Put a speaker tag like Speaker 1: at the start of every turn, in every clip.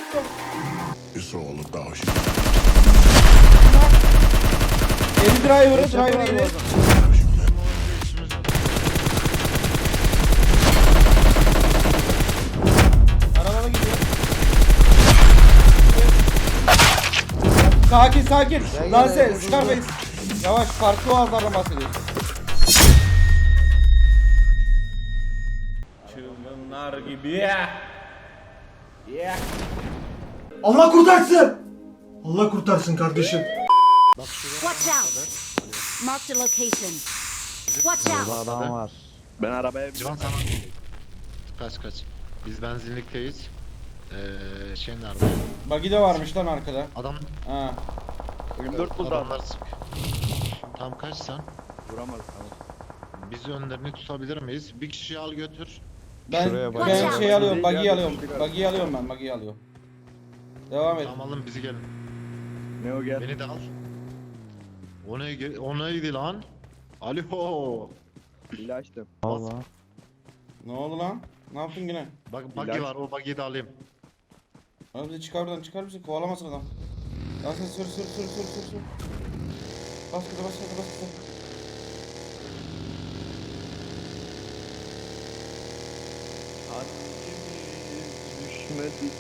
Speaker 1: It's all about you.
Speaker 2: Eli driver eli. Arabada gidiyor. Sakin. Lan sen Scarface. Yavaş, farklı oğazlardan bahsediyorsun. Çılgınlar gibi ya.
Speaker 3: Allah kurtarsın. Allah kurtarsın kardeşim.
Speaker 4: Watch out! Marked a location. Watch out!
Speaker 5: Adam var.
Speaker 6: Ben arabaya
Speaker 5: Civan sana. Kaç. Biz benzinlikteyiz. Şey nerede?
Speaker 2: Buggy de varmış lan arkada.
Speaker 5: Adam
Speaker 6: 24 buldu adam.
Speaker 5: adamlar sık. Tam kaç sen?
Speaker 6: Vuramaz tamam.
Speaker 5: Biz önlerini tutabilir miyiz? Bir kişiyi al götür.
Speaker 2: Ben
Speaker 4: Watch out.
Speaker 2: şey alıyorum,
Speaker 6: Buggy'yi
Speaker 2: buggy'yi
Speaker 6: alıyorum.
Speaker 2: alıyorum. Buggy'yi alıyorum ben, buggy'yi alıyorum. Devam et.
Speaker 5: Tamam alın bizi gelin.
Speaker 6: Ne o gel.
Speaker 5: Beni de al. O neydi lan? Alo.
Speaker 6: Hile açtım.
Speaker 5: Allah.
Speaker 2: Ne oldu lan? Ne yaptın yine?
Speaker 5: Bak buggy
Speaker 6: İlaç.
Speaker 5: var, o buggy'yi de alayım.
Speaker 2: Abi bizi çıkar bizi, kovalamasın adam. Lan sen sür. Bas gaza.
Speaker 6: Düşmedi.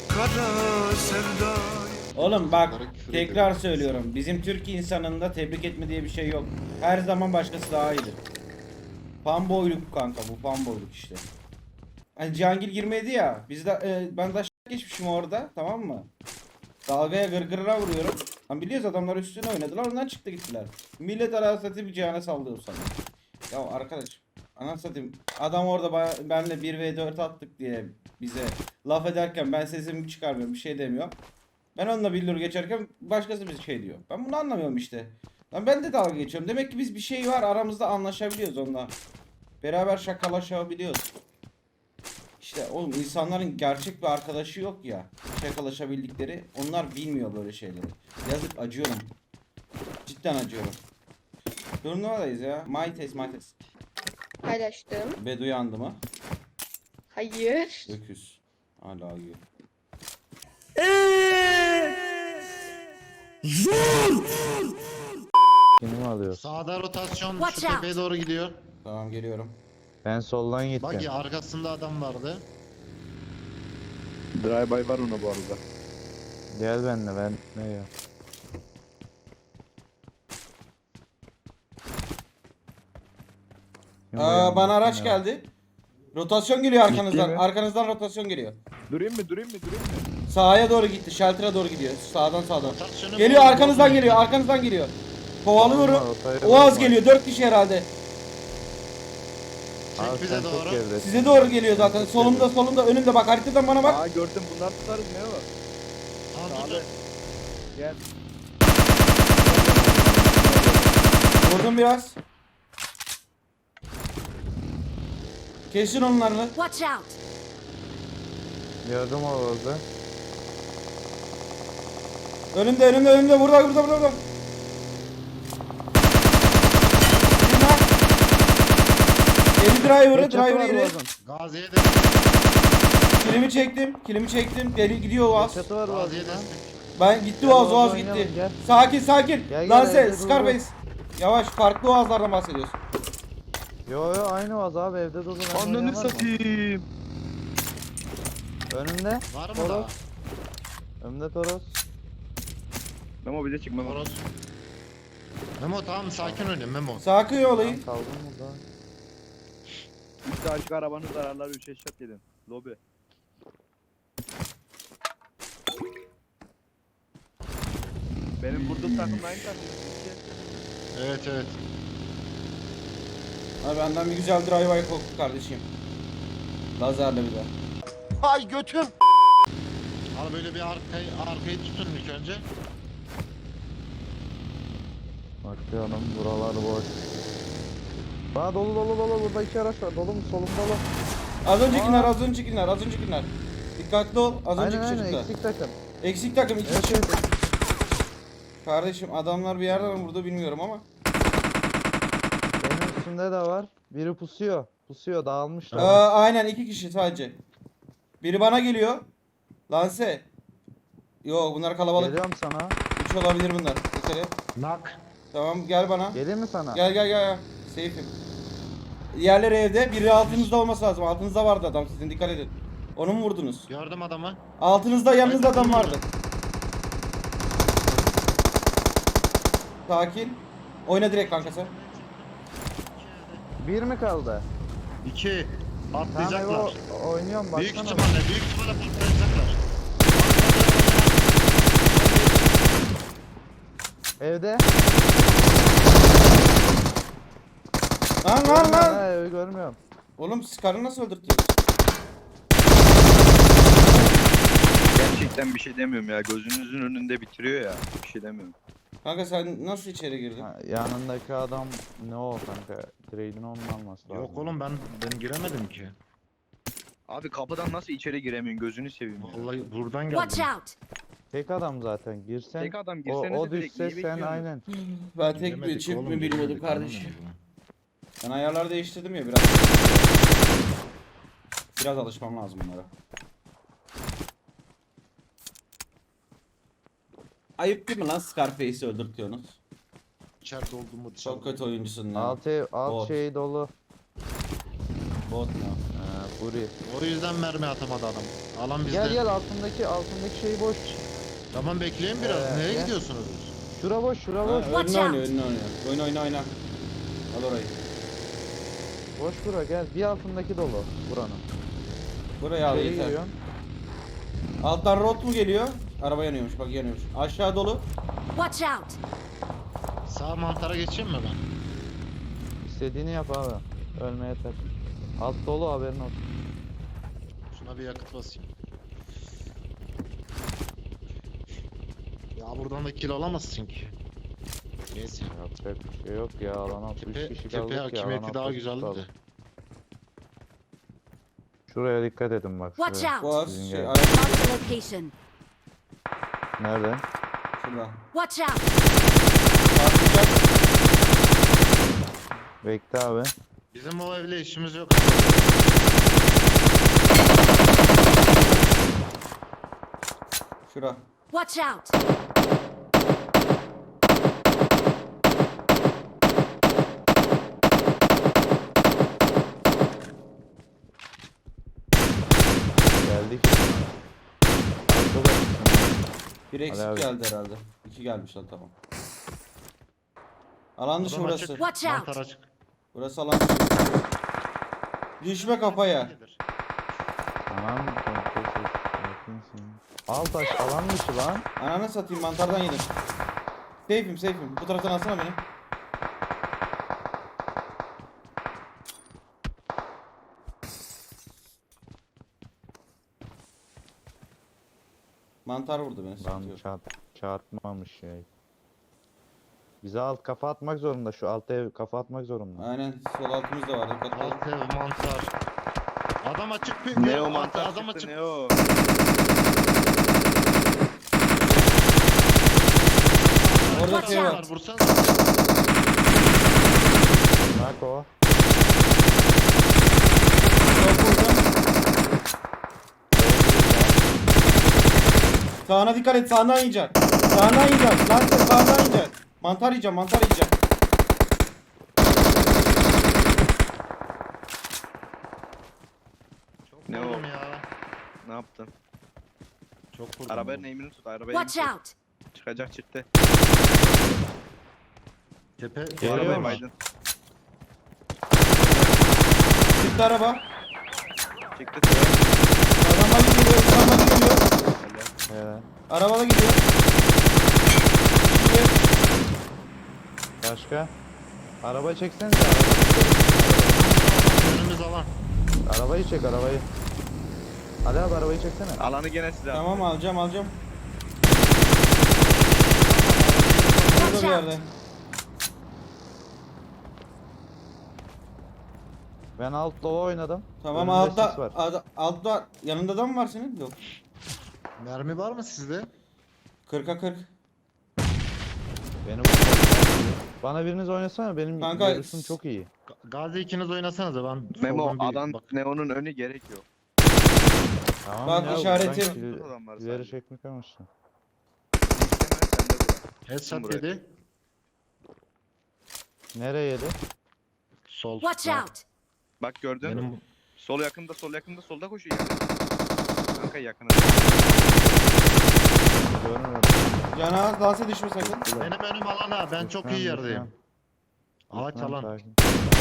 Speaker 2: Oğlum bak,
Speaker 5: Bunlara küfür
Speaker 2: tekrar
Speaker 5: ediyorum.
Speaker 2: söylüyorum. Bizim Türk insanında tebrik etme diye bir şey yok. Her zaman başkası daha iyidir. Fanboyluk kanka, bu fanboyluk işte. Hani Cihangir girmedi ya. Biz de ben de geçmişim orada, tamam mı? Dalgaya gırgırına vuruyorum. Lan biliyoruz adamlar üstüne oynadılar, ondan çıktı gittiler. Millet arası satayım Cihan'a sallıyor sana. Ya arkadaş, anasını satayım. Adam orada benle 1v4 attık diye bize laf ederken ben sesimi çıkarmıyorum, bir şey demiyorum. Ben onunla billur geçerken başkası bir şey diyor. Ben bunu anlamıyorum işte. Lan ben de dalga geçiyorum. Demek ki biz bir şey var aramızda, anlaşabiliyoruz onunla. Beraber şakalaşabiliyoruz. İşte oğlum, insanların gerçek bir arkadaşı yok ya. Şakalaşabildikleri. Onlar bilmiyor böyle şeyleri. Yazık, acıyorum. Cidden acıyorum. Turnuvadayız ya. My test.
Speaker 7: Paylaştım.
Speaker 2: Bedu yandı mı?
Speaker 7: Hayır.
Speaker 2: Öküz. Hala yiyor.
Speaker 8: Kimi alıyor?
Speaker 5: Sağda rotasyon
Speaker 4: Watch
Speaker 5: şu
Speaker 4: out.
Speaker 5: tepeye doğru gidiyor.
Speaker 2: Tamam, geliyorum.
Speaker 8: Ben soldan gittim.
Speaker 5: Buggy arkasında adam vardı.
Speaker 6: Drive-by var ona bu arada.
Speaker 8: Gel benimle, ben ne ya?
Speaker 2: Bana araç geldi. Rotasyon geliyor arkanızdan.
Speaker 6: mi?
Speaker 2: Arkanızdan rotasyon geliyor.
Speaker 6: Durayım mı?
Speaker 2: Sağa doğru gitti. Shelter'a doğru gidiyor. Sağdan.
Speaker 5: Rotasyonu
Speaker 2: Geliyor,
Speaker 5: bozma,
Speaker 2: arkanızdan
Speaker 5: bozma.
Speaker 2: geliyor. Kovalıyorum.
Speaker 8: Tamam, rotayı
Speaker 2: Oğaz
Speaker 8: bozma.
Speaker 2: geliyor. 4 kişi herhalde.
Speaker 8: Abi
Speaker 5: Çek bize
Speaker 8: sen çok
Speaker 5: doğru.
Speaker 8: geridesin.
Speaker 2: Size doğru geliyor zaten. Solumda, önümde, bak haritadan bana bak.
Speaker 6: Aa gördüm, bunlar tutarız ne o?
Speaker 5: Aa,
Speaker 6: Sağlı.
Speaker 5: dur.
Speaker 6: Gel.
Speaker 2: Vurdum biraz. Kesin onlarını.
Speaker 4: Watch out!
Speaker 8: Gördüm orada.
Speaker 2: Önümde. Burada. Eli driver'ı yeri.
Speaker 5: Gazi'ye de
Speaker 2: Kilimi çektim. Deli gidiyor Oğaz.
Speaker 8: Çatı var
Speaker 5: Gazi'ye
Speaker 8: orada.
Speaker 5: destek.
Speaker 2: Ben gitti
Speaker 8: Gel,
Speaker 2: Oğaz
Speaker 8: oynayalım,
Speaker 2: gitti.
Speaker 8: gel.
Speaker 2: Sakin.
Speaker 8: Gel,
Speaker 2: Lan
Speaker 8: gel,
Speaker 2: sen
Speaker 8: evde dur,
Speaker 2: Scarface. Yavaş, farklı Oğazlardan bahsediyorsun.
Speaker 8: Yo aynı vaz abi, evde durdu. ben
Speaker 6: Ananı
Speaker 8: oynayamaz mı?
Speaker 6: satayım.
Speaker 8: Önümde.
Speaker 5: Var mı
Speaker 8: Toros.
Speaker 5: daha?
Speaker 8: Önümde Toros.
Speaker 6: Memo bize çık Memo.
Speaker 5: Toros. Memo tamam, sakin oynayın Memo.
Speaker 2: Sakin olayım.
Speaker 8: Kaldım burada.
Speaker 6: İşte açık arabanın zararları 3 eşat yedin. Lobi. Benim vurduğum takımla aynı takım.
Speaker 5: Evet.
Speaker 2: Abi benden bir güzel drive-by koktu kardeşim. Lazerle bir de.
Speaker 5: Al böyle bir arkayı tutun ilk önce.
Speaker 8: Bakıyorum, buralar boş. Aa dolu, burada 2 araç var. Dolu mu? Solum dolu.
Speaker 2: Az öncekiler. Dikkatli ol. Az önceki
Speaker 8: Aynen
Speaker 2: çocuklar.
Speaker 8: eksik takım.
Speaker 2: Eksik takım, iki
Speaker 8: Evet,
Speaker 2: kişi.
Speaker 8: evet.
Speaker 2: Kardeşim adamlar bir yerden mi vurdu bilmiyorum ama.
Speaker 8: Benim üstümde de var. Biri pusuyor dağılmışlar.
Speaker 2: Aynen 2 kişi sadece. Biri bana geliyor. Lanse. Yo bunlar kalabalık.
Speaker 8: Geliyorum sana.
Speaker 2: 3 olabilir bunlar. Dikkat et.
Speaker 5: Nak.
Speaker 2: Tamam gel bana.
Speaker 8: Geleyim mi sana?
Speaker 2: Gel. Safe'im. Diğerleri evde. Biri altınızda olması lazım. Altınızda vardı adam sizin, dikkat edin. Onu mu vurdunuz?
Speaker 5: Gördüm adamı.
Speaker 2: Altınızda, yanınızda
Speaker 5: Haydi,
Speaker 2: adam
Speaker 5: vurun.
Speaker 2: vardı. Sakin. Oyna direkt kanka sen.
Speaker 8: Bir mi kaldı?
Speaker 5: 2.
Speaker 8: Tamam
Speaker 5: Patlayacaklar.
Speaker 8: oynuyorum
Speaker 5: Büyük
Speaker 8: baksana.
Speaker 5: ihtimalle patlayacaklar.
Speaker 8: Evde.
Speaker 2: Lan.
Speaker 8: Ha, evi görmüyorum.
Speaker 2: Oğlum siz karını nasıl öldürtüyorsunuz?
Speaker 6: Gerçekten bir şey demiyorum ya. Gözünüzün önünde bitiriyor ya. Bir şey demiyorum.
Speaker 2: Kanka sen nasıl içeri girdin?
Speaker 8: Ha, yanındaki adam ne o kanka? Trade'ini onun alması lazım.
Speaker 5: Yok oğlum ben giremedim ki.
Speaker 6: Abi kapıdan nasıl içeri giremiyorsun? Gözünü seveyim ya.
Speaker 5: Vallahi buradan
Speaker 4: Watch
Speaker 5: geldim.
Speaker 4: out!
Speaker 8: Tek adam zaten girsen.
Speaker 6: Tek adam
Speaker 8: o,
Speaker 6: girsenize
Speaker 8: o
Speaker 6: direkt.
Speaker 8: düşse
Speaker 6: Niye
Speaker 8: sen
Speaker 6: bekliyorsunuz?
Speaker 8: aynen.
Speaker 2: Ben tek bir
Speaker 5: Giremedik
Speaker 2: çift
Speaker 5: oğlum,
Speaker 2: mi bilmiyordum
Speaker 5: giremedik,
Speaker 2: kardeşim.
Speaker 5: anlamadım.
Speaker 2: Ben ayarları değiştirdim ya biraz. Biraz alışmam lazım bunlara. Ayıp değil mi lan Scarface'i öldürtüyorsunuz?
Speaker 5: İçeride olduğumu dışarıda.
Speaker 2: Çok kötü oyuncusun lan.
Speaker 8: Alt
Speaker 2: Bot.
Speaker 8: şey dolu.
Speaker 2: Bot mu?
Speaker 8: Buri.
Speaker 5: O yüzden mermi atamadı adam. Alan bizde.
Speaker 8: Gel altındaki şey boş.
Speaker 5: Tamam bekleyin biraz. Nereye
Speaker 8: gel.
Speaker 5: gidiyorsunuz?
Speaker 8: Şura boş, şura
Speaker 2: Ha,
Speaker 8: boş.
Speaker 4: Watch
Speaker 2: önüne
Speaker 4: out.
Speaker 2: oynuyor, önüne oynuyor. Oyna. Al orayı.
Speaker 8: Boş bura gel. Bir altındaki dolu buranın.
Speaker 2: Buraya al
Speaker 8: İçeri
Speaker 2: yeter.
Speaker 8: giriyorsun.
Speaker 2: Alttan rot mu geliyor? Araba yanıyormuş, bak yanıyormuş. Aşağı dolu.
Speaker 4: Watch out!
Speaker 5: Sağ mantara geçeyim mi ben?
Speaker 8: İstediğini yap abi. Ölme yeter. Alt dolu haberin olsun.
Speaker 5: Şuna bir yakıt basayım. Ya buradan da kill alamazsın ki. Neyse.
Speaker 8: Yapacak bir şey yok ya. Alana 3
Speaker 5: Tepe,
Speaker 8: kişi
Speaker 5: tepe
Speaker 8: kaldık ya.
Speaker 5: hakimiyeti
Speaker 8: alan
Speaker 5: daha
Speaker 8: altı
Speaker 5: güzeldi
Speaker 8: kaldı.
Speaker 5: de.
Speaker 8: Şuraya dikkat edin bak.
Speaker 4: Watch
Speaker 8: Şuraya.
Speaker 4: out!
Speaker 2: Boğaz,
Speaker 8: Sizin
Speaker 2: şey,
Speaker 8: gel.
Speaker 2: araba
Speaker 4: Marked a location.
Speaker 8: Nerede?
Speaker 2: şurada.
Speaker 4: Watch out!
Speaker 2: Patlayacak.
Speaker 8: Bekle abi.
Speaker 5: Bizim o evle işimiz yok.
Speaker 2: Şura.
Speaker 4: Watch out!
Speaker 8: Geldik. Arkada.
Speaker 2: Bir eksik
Speaker 8: abi.
Speaker 2: geldi herhalde. 2 gelmiş lan, tamam. Alan dışı
Speaker 5: Adam
Speaker 2: burası.
Speaker 5: açık.
Speaker 4: Watch out.
Speaker 5: Mantar açık.
Speaker 2: Burası alan dışı. Düşme kafaya.
Speaker 8: Tamam. kontrol et. Sakinsin. Alt taş alan dışı lan.
Speaker 2: Ananı satayım, mantardan yedim. Safe'im. Bu taraftan alsana beni. Mantar vurdu beni.
Speaker 8: Lan
Speaker 2: sıkıntı yok.
Speaker 8: çarpmamış ya. Bize alt kafa atmak zorunda. Şu alt ev kafa atmak zorunda.
Speaker 2: Aynen, sol altımız da var. Dikkatli ol.
Speaker 5: Alt ev mantar. Adam açık bir
Speaker 6: Ne o
Speaker 5: Alt-
Speaker 6: mantar
Speaker 5: adam
Speaker 6: çıktı
Speaker 5: açık.
Speaker 6: ne o?
Speaker 2: Orada
Speaker 4: Watch
Speaker 2: şey var.
Speaker 4: out.
Speaker 5: Vursanız.
Speaker 8: Bak o.
Speaker 2: Çok vurdum. Sağına dikkat et, sağından yiyeceksin. Sağından yiyeceksin. Lan sen sağından yiyeceksin. Mantar yiyeceğim.
Speaker 5: Çok
Speaker 6: Ne o?
Speaker 5: vurdum ya.
Speaker 6: Ne yaptın?
Speaker 5: Çok vurdum.
Speaker 6: Arabanın eğimini tut. Arabayı
Speaker 4: Watch out!
Speaker 6: Çıkacak çıktı.
Speaker 5: Tepe.
Speaker 8: Geliyor
Speaker 6: Arabayı
Speaker 8: mu?
Speaker 6: baydın.
Speaker 2: Çıktı araba.
Speaker 6: Çıktı.
Speaker 2: Araba geliyor.
Speaker 6: Öyle.
Speaker 2: Arabada gidiyor.
Speaker 8: Başka? Araba çeksene.
Speaker 5: Önümüz alan.
Speaker 8: Arabayı çek arabayı. Ali abi arabayı çeksene.
Speaker 6: Alanı gene size attı.
Speaker 2: Tamam, alacağım. Burada
Speaker 4: Watch
Speaker 2: bir
Speaker 4: out!
Speaker 2: yerde.
Speaker 8: Ben alt lova oynadım.
Speaker 2: Tamam,
Speaker 8: Önümde
Speaker 2: altta
Speaker 8: sis var.
Speaker 2: altta yanında da mı var senin? Yok.
Speaker 5: Mermi var mı sizde?
Speaker 2: 40'a 40.
Speaker 8: Beni bana biriniz oynasana benim
Speaker 2: Kanka,
Speaker 8: görüşüm çok iyi.
Speaker 5: Gazi ikiniz oynasanıza ben
Speaker 6: Memo
Speaker 5: soldan bir
Speaker 6: adam
Speaker 5: bak.
Speaker 6: Neo'nun önü gerek yok.
Speaker 8: Tamam
Speaker 2: Bak
Speaker 8: ya,
Speaker 2: işareti-
Speaker 8: buradan
Speaker 6: Adam var
Speaker 8: ileri
Speaker 6: sadece.
Speaker 8: çekmek amaçlı.
Speaker 5: Headshot
Speaker 6: buraya.
Speaker 5: yedi.
Speaker 8: Nereye yedi?
Speaker 5: Sol.
Speaker 4: Watch
Speaker 5: Bak,
Speaker 4: out!
Speaker 6: Bak gördün.
Speaker 5: Benim
Speaker 6: Sol yakında, sol yakında, solda koşuyor. Kanka yakına.
Speaker 8: Görmüyorum.
Speaker 2: Cana dansa düşme sakın.
Speaker 5: benim önüm alana. Ben çok iyi yerdeyim. Ağaç
Speaker 8: Tamam,
Speaker 5: alan.
Speaker 8: sakin.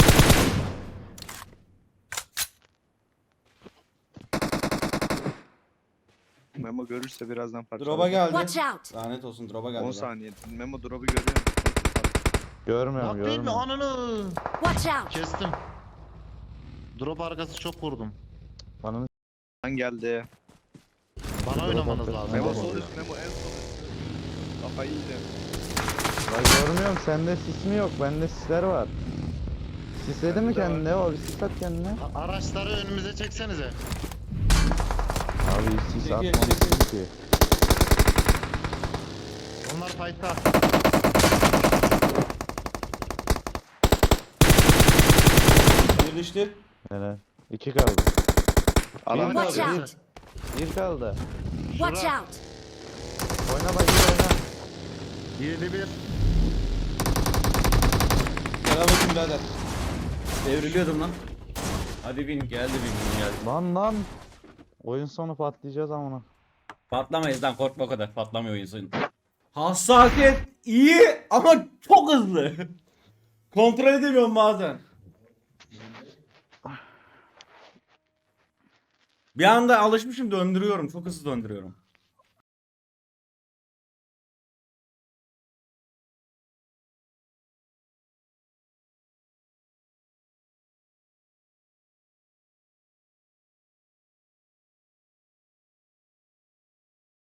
Speaker 6: Memo görürse birazdan parçalar.
Speaker 2: Drop'a geldi.
Speaker 4: Watch out!
Speaker 2: Lanet olsun drop'a geldi.
Speaker 6: 10
Speaker 2: lan.
Speaker 6: saniye. Memo drop'u görüyor.
Speaker 8: Görmüyorum
Speaker 5: Bak değil mi?
Speaker 8: görmüyorum.
Speaker 5: Ananı.
Speaker 4: Watch out!
Speaker 5: Kestim. Drop arkası çok vurdum.
Speaker 8: Bana
Speaker 6: Lan geldi.
Speaker 5: Bana oynamanız
Speaker 8: arkası.
Speaker 5: lazım.
Speaker 6: Memo
Speaker 8: Tamam.
Speaker 6: sol üst, Memo en sol üst. Kafayı yiydi.
Speaker 8: ben görmüyorum. Sende sis mi yok? Bende sisler var. Sisledi mi
Speaker 6: Bende de var.
Speaker 8: kendine? O bir sis at kendine.
Speaker 5: Araçları önümüze çeksenize.
Speaker 8: Abi sis
Speaker 2: Çekil,
Speaker 8: atmamışsın
Speaker 2: çekil.
Speaker 8: ki.
Speaker 5: Onlar fight'ta.
Speaker 2: Bir düştü.
Speaker 8: Helal. 2 kaldı.
Speaker 6: Alan
Speaker 2: kaldı.
Speaker 4: Watch
Speaker 5: Bir.
Speaker 4: out!
Speaker 8: 1 kaldı.
Speaker 4: Watch
Speaker 5: Şura.
Speaker 4: out!
Speaker 8: Oyna bakayım oyna.
Speaker 5: 7-1.
Speaker 2: Selamünaleyküm birader. Devriliyordum lan. Hadi bin geldi bin geldi.
Speaker 8: Lan. Oyun sonu patlayacağız amına.
Speaker 2: Patlamayız lan korkma o kadar patlamıyor insan. Hassasiyet iyi ama çok hızlı. Kontrol edemiyorum bazen. Bir anda alışmışım döndürüyorum. Çok hızlı döndürüyorum.